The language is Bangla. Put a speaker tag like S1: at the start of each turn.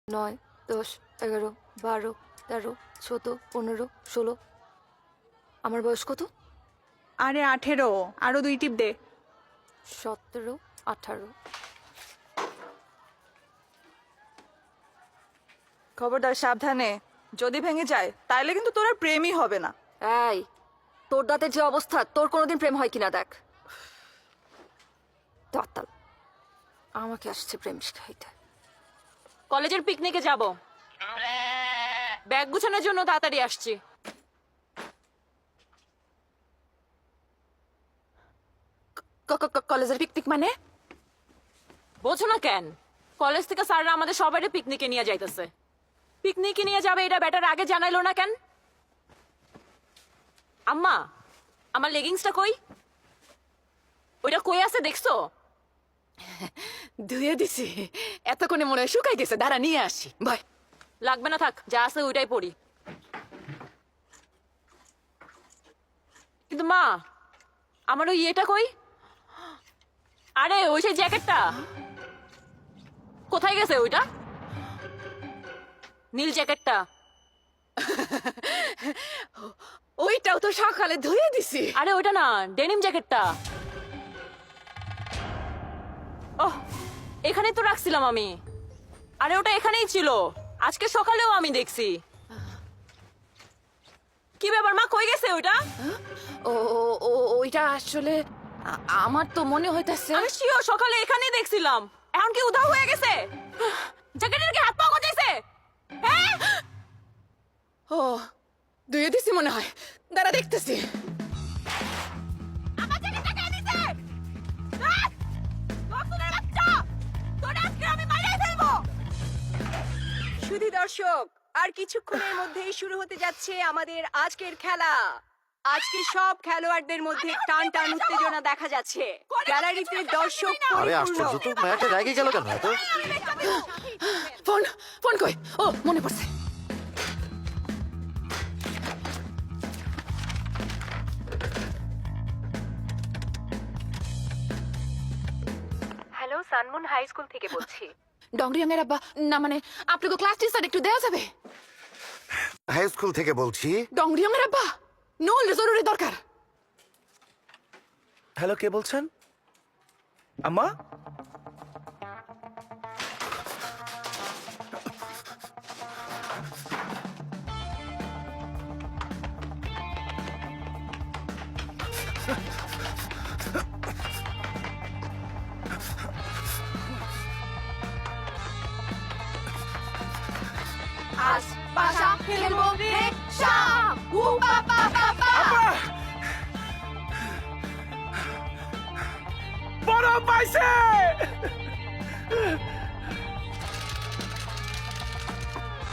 S1: 9, 10, 11, 12, 13, 14, 15, 16। আমার বয়স কত?
S2: আরে 18, আরো 2 টিপ দে।
S1: 17, 18।
S2: খবরদার, সাবধানে। যদি ভেঙে যায় তাইলে কিন্তু তোর আর প্রেমই হবে না।
S1: এই, তোর দাঁতের যে অবস্থা, তোর কোনোদিন প্রেম হয় কিনা দেখ। দাঁতাল আমাকে আসছে প্রেম শিখাইতে।
S3: কলেজের পিকনিকে যাব, ব্যাগ গুছানোর জন্য তাড়াতাড়ি আসছি।
S1: কলেজের পিকনিক মানে?
S3: বোঝো না কেন? কলেজ থেকে স্যাররা আমাদের সবাইকে পিকনিকে নিয়ে যাইতেছে। পিকনিকে নিয়ে যাবে এটা ব্যাটার আগে জানাইলো না কেন? আম্মা, আমার লেগিংসটা কই? ওইটা কই আছে দেখছো?
S4: ধুয়ে দিছি, এতক্ষণে মনে হয় শুকাই গেছে। দাঁড়া নিয়ে আসি। ভাই
S3: লাগবে না, থাক, যা আছে ওইটাই পরি। কিন্তু মা, আমার ওই ইয়েটা কই? আরে ওই সেই জ্যাকেটটা কোথায় গেছে? ওইটা নীল জ্যাকেটটা।
S4: ওইটাও তো সকালে ধুয়ে দিছি।
S3: আরে ওইটা না, ডেনিম জ্যাকেটটা। ওহ, এখানে তো রাখছিলাম আমি। আরে ওটা এখানেই ছিল, আজকে সকালেও আমি দেখছি। কি ব্যাপার মা, কই গেছে ওইটা?
S4: ওইটা আসলে আমার তো মনে হইতাছে।
S3: আমি শিওর সকালে এখানেই দেখছিলাম। এখন কি উধাও হয়ে গেছে? জ্যাকেটের কি হাত পা গজাইছে? হ্যাঁ,
S4: ও, ধুয়ে দিছি মনে হয়। দাঁড়া দেখতেছি।
S3: আমার জ্যাকেটটা কে নিছে? হ্যাঁ? নতুনের বাচ্চা! তোরে আজকে আমি মাইরাই ফেলবো।
S2: সুধী দর্শক, আর কিছুক্ষণের মধ্যেই শুরু হতে যাচ্ছে আমাদের আজকের খেলা। আজকে সব খেলোয়াড়দের মধ্যে টান টান উত্তেজনা দেখা যাচ্ছে। গ্যালারিতে দর্শক
S5: আরে আশ্চর্য তো, ম্যাচটা রেগে গেল কেন এত?
S4: ফোন ফোন কই? ও, মনে পড়ছে।
S6: হ্যালো, সানমুন হাই স্কুল থেকে বলছি।
S4: ডংরিয়াঙ্গের আব্বা, না মানে আপনাকে ক্লাস টিচার একটু দেওয়া যাবে?
S5: হাই স্কুল থেকে বলছি।
S4: ডংরিয়াঙ্গের আব্বা, নল জরুরি দরকার।
S7: হ্যালো, কে বলছেন? আম্মা?
S4: আজ পাশা খেলবো রিকশা। উ বাবা বাবা।
S7: বড় পাইছে!